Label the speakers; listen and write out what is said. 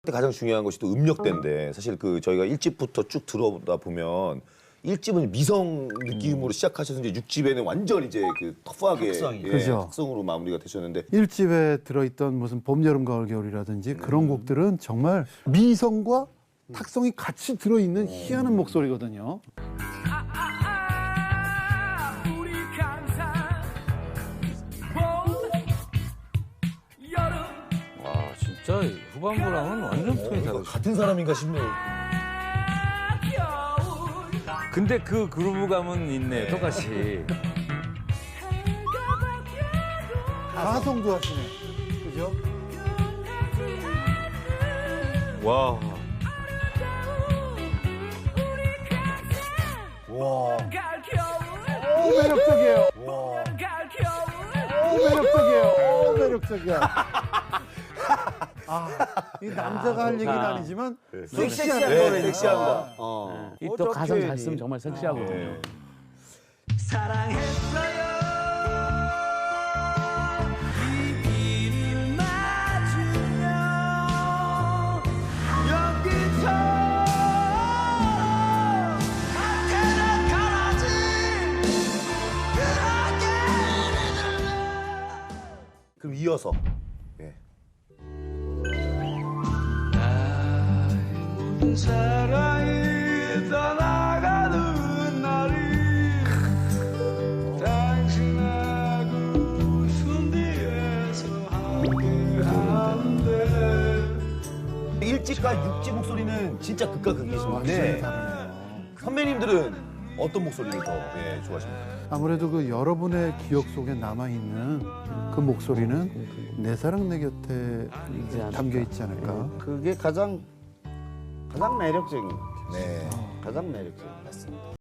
Speaker 1: 가장 중요한 것이 또 음역대인데 사실 그 저희가 1집부터 쭉 들어보다 보면 1집은 미성 느낌으로 시작하셔서 이제 6집에는 완전 이제 그 터프하게
Speaker 2: 그죠.
Speaker 1: 특성으로 마무리가 되셨는데
Speaker 2: 1집에 들어있던 무슨 봄, 여름, 가을, 겨울이라든지 그런 곡들은 정말 미성과 탁성이 같이 들어있는 희한한 목소리거든요.
Speaker 3: 우리 감사 봄 여름
Speaker 4: 와 진짜 후반부랑은 완전 톤이 다르죠.
Speaker 1: 같은 사람인가 싶네요.
Speaker 3: 겨울
Speaker 4: 근데 그 그루브감은 있네 똑같이.
Speaker 2: 가성도 하시네. 그죠?
Speaker 4: 와.
Speaker 1: 와.
Speaker 3: 가을 겨울
Speaker 2: 매력적이에요.
Speaker 3: 가을 겨울
Speaker 2: 매력적이에요. 매력적이야. 이 남자가 할 얘기는 아니지만 섹시한
Speaker 1: 네,
Speaker 2: 노래니까.
Speaker 1: 섹시합니다.
Speaker 5: 이 또 가성 잘 쓰면 정말 섹시하거든요.
Speaker 1: 네.
Speaker 3: 사랑했어요 이 길을 맞으며 연기처럼 한테는 가라지
Speaker 1: 그럼 이어서 예.
Speaker 3: 사랑이 떠나가는 날이 당신하고 숨 뒤에서 함께하는데
Speaker 1: 1집과 6집 목소리는 진짜 극과 극이신데 선배님들은 어떤 목소리를 더 좋아하십니까?
Speaker 2: 아무래도 그 여러분의 기억 속에 남아있는 그 목소리는 내 사랑 내 곁에 담겨 있지 않을까.
Speaker 5: 그게 가장 매력적인 것 같아요.
Speaker 1: 네.
Speaker 5: 가장 매력적인 것 같습니다.